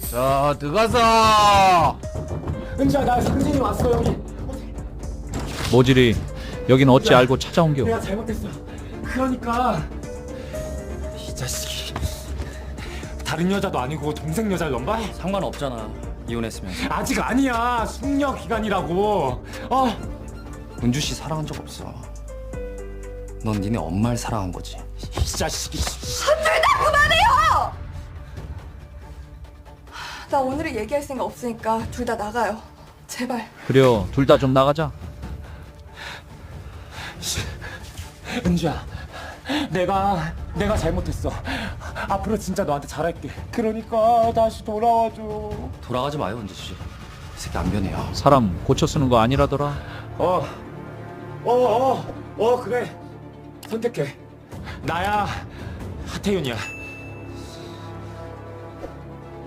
자, 들어가서. 은지야, 나 상진이 왔어 여기. 모질이 여긴 어찌 알고 찾아온겨. 내가 잘못했어. 그러니까 이 자식이 다른 여자도 아니고 동생 여자를 넘봐? 상관없잖아. 이혼했으면. 아직 아니야. 숙려 기간이라고. 은주 씨 사랑한 적 없어. 넌 니네 엄마를 사랑한 거지. 이 자식이. 나 오늘은 얘기할 생각 없으니까 둘 다 나가요. 제발. 그려 둘 다 좀 나가자. 은주야, 내가 잘못했어. 앞으로 진짜 너한테 잘할게. 그러니까 다시 돌아와줘. 돌아가지 마요, 은주 씨. 이 새끼 안 변해요. 사람 고쳐 쓰는 거 아니라더라. 그래. 선택해. 나야 하태윤이야.